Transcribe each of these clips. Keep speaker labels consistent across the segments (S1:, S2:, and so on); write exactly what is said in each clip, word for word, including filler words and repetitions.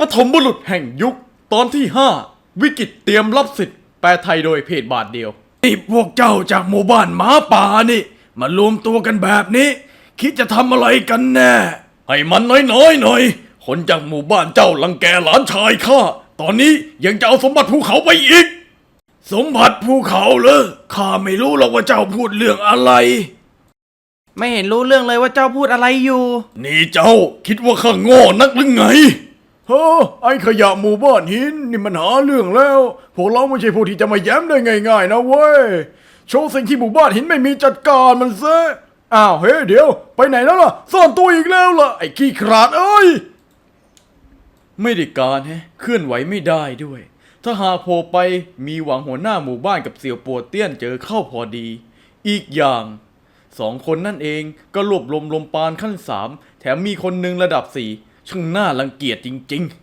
S1: ปฐมบุรุษแห่งยุคตอนที่ห้าวิกฤตเตรียมรับสิทธิ์แปลไทยโดยเพจบาทเดียวนี่พวกเจ้าจากหมู่บ้านหมาป่านี่มารวมตัวกันแบบนี้คิดจะทำอะไรกันแน่ให้มันน้อยๆหน่อยคนจากหมู่บ้านเจ้าลังแกหลานชายข้าตอนนี้ยังจะเอาสมบัติภูเขาไปอีกสมบัติภูเขาเหรอข้าไม่รู้หรอกว่าเจ้าพูดเรื่องอะไร
S2: ไม่เห็นรู้เรื่องเลยว่าเจ้าพูดอะไรอยู่
S1: นี่เจ้าคิดว่าข้าโง่นักหรือไงเฮ้อไอ้ขยะหมู่บ้านหินนี่มันหาเรื่องแล้วพวกเราไม่ใช่ผู้ที่จะมาแย้มได้ง่ายๆนะเว้ยโชว์สิ่งที่หมู่บ้านหินไม่มีจัดการมันซะอ้าวเฮ้ยเดี๋ยวไปไหนแล้วล่ะซ่อนตัวอีกแล้วล่ะไอ้ขี้ขลาดเอ้ยไม่ได้การแฮะเคลื่อนไหวไม่ได้ด้วยถ้าหากโผล่ไปมีหวังหัวหน้าหมู่บ้านกับเสี่ยวปัวเตี้ยนเจอเข้าพอดีอีกอย่างสองคนนั่นเองก็รวบรวมลมปานขั้นสามแถมมีคนหนึ่งระดับสี่ช่างน่ารังเกียจจริง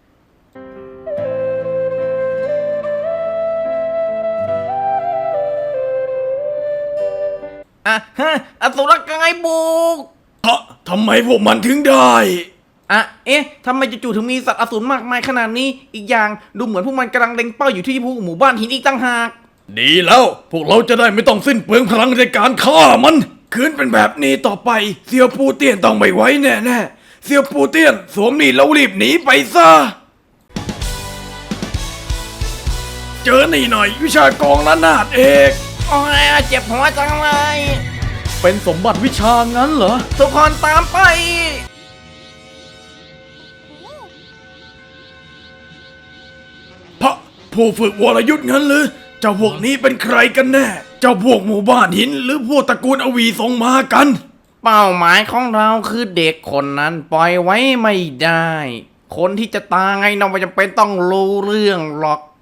S2: อ่ะฮะอสุรกายบุก
S1: ๆฮะทำไมพวกมันถึงได้
S2: อ่ะเอ๊ะทำไมจู่ๆถึงมีสัตว์อสูรมากมายขนาดนี้อีกอย่างดูเหมือนพวกมันกำลังเล็งเป้าอยู่ที่พวกหมู่บ้านหินอีกตั้งหาก
S1: ดีแล้วพวกเราจะได้ไม่ต้องสิ้นเปลืองพลังในการฆ่ามันคืนเป็นแบบนี้ต่อไปเสี่ยวปูเตี้ยนต้องไม่ไหวแน่ๆเสี่ยวปูเตี้ยนสวมนี่แล้วรีบหนีไปซะเจอนี่หน่อยวิชากองระนาดเอก
S2: โอ้ยเจ็บหัวจังเลย
S1: เป็นสมบัติวิชางั้นเหรอ
S2: ทุกคนตามไป
S1: พระผู้ฝึกวรยุทธ์งั้นหรือเจ้าพวกนี้เป็นใครกันแน่เจ้าพวกหมู่บ้านหินหรือพวกตระกูลอวีส่งมากัน
S2: เป้าหมายของเราคือเด็กคนนั้นปล่อยไว้ไม่ได้คนที่จะตายเราไม่จำเป็นต้องรู้เรื่องหรอก